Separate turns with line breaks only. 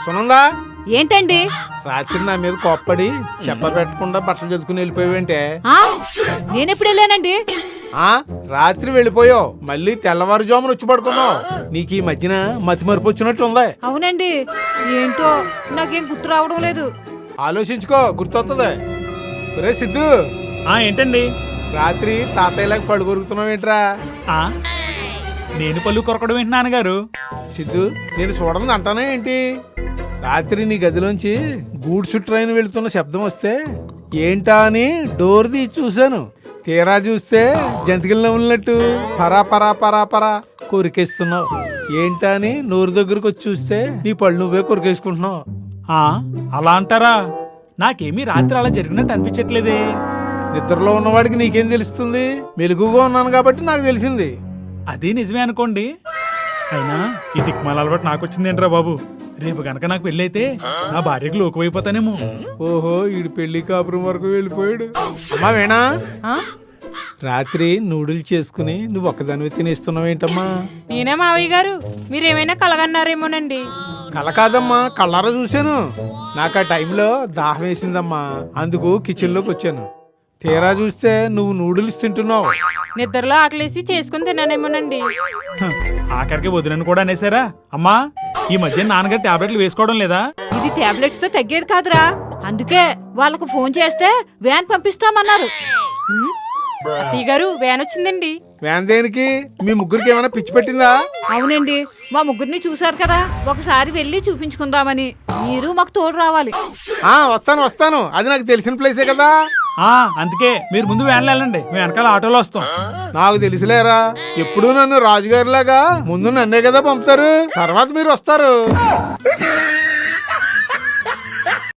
సునందా,
ఏంటండి?
రాత్రి నా మీద కోప్పడి చెప్ప పెట్టకుండా బట్టలు చదువుకుని వెళ్ళిపోయావేంటే?
నేనెప్పుడు వెళ్ళానండి?
రాత్రి వెళ్ళిపోయావు, మళ్ళీ తెల్లవారుజామున వచ్చి పడుకున్నావు. నీకు ఈ మధ్యన మతి మరపు వచ్చినట్టు ఉంది.
అవునండి, ఏంటో నాకేం గుర్తు రావడం లేదు.
ఆలోచించుకో, గుర్తొస్తుంది. రే సిద్ధు.
ఏంటండి?
రాత్రి తాతయ్యలాగా పళ్ళు కొరుకుతున్నావేంట్రా?
నేను పళ్ళు కొరకడం ఏంటి నాన్నగారు?
సిద్ధు, నేను చూడదు అంటానే ఏంటి? రాత్రి నీ గదిలోంచి గూడ్స్ ట్రైన్ వెళుతున్న శబ్దం వస్తే ఏంటా అని డోర్ తీసి చూశాను. తీరా చూస్తే జంతికలు నవ్వులినట్టు పరా పరా పరా పరా కొరికేస్తున్నావు. ఏంటా అని నోరు దగ్గరకు వచ్చి చూస్తే నీ పళ్ళు నువ్వే కొరికేసుకుంటున్నావు.
అలా అంటారా? నాకేమీ రాత్రి అలా జరిగినట్టు అనిపించట్లేదే.
నిద్రలో ఉన్నవాడికి నీకేం తెలుస్తుంది? మెలుగుగా ఉన్నాను కాబట్టి నాకు తెలిసింది.
అదే నిజమే అనుకోండి. అయినా ఈ దిక్మాల అలవాటు నాకు వచ్చిందేంట్రా బాబు. రేపు గనక నాకు పెళ్లి అయితే నా భార్యకు లోకువైపోతానేమో.
ఓహో, ఈడు పెళ్లి కాపురం వరకు వెళ్ళిపోయాడు. అమ్మా వేణా, రాత్రి నూడిల్స్ చేసుకుని నువ్వు ఒక్కదానివి తినేస్తున్నావేంటమ్మా?
నేనే మావయ్య గారు, మీరేమైనా కలగన్నారేమోనండి.
కల కాదమ్మా, కళ్ళారా చూశాను. నాకు ఆ టైంలో దాహం వేసిందమ్మా, అందుకు కిచెన్ లోకి వచ్చాను. తీరా చూస్తే నువ్వు నూడిల్స్ తింటున్నావు.
నిద్రలో ఆకలేసి చేసుకుని తిన్నానేమోనండి.
ఆఖరికి వదినను కూడా అనేసారా? అమ్మా, ఈ మధ్య నాన్నగారు టాబ్లెట్లు వేసుకోవడం లేదా?
ఇది టాబ్లెట్స్ తో తగ్గేది కాదురా, అందుకే వాళ్ళకు ఫోన్ చేస్తే వ్యాన్ పంపిస్తామన్నారు. అత్తయ్య గారు, వ్యాన్ వచ్చిందండి.
వ్యాన్ దేనికి? మీ ముగ్గురికి ఏమైనా పిచ్చి పెట్టిందా?
అవునండి, మా ముగ్గురిని చూసారు కదా, ఒకసారి వెళ్ళి చూపించుకుందామని. మీరు మాకు తోడు రావాలి.
వస్తాను వస్తాను, అది నాకు తెలిసిన ప్లేసే కదా.
అందుకే మీరు ముందు వ్యాన్లో వెళ్ళండి, మేము వెనకాల ఆటోలో వస్తాం.
నాకు తెలిసిలేరా, ఎప్పుడు నన్ను రాజుగారిలాగా ముందు నన్నే కదా పంపుతారు, తర్వాత మీరు వస్తారు.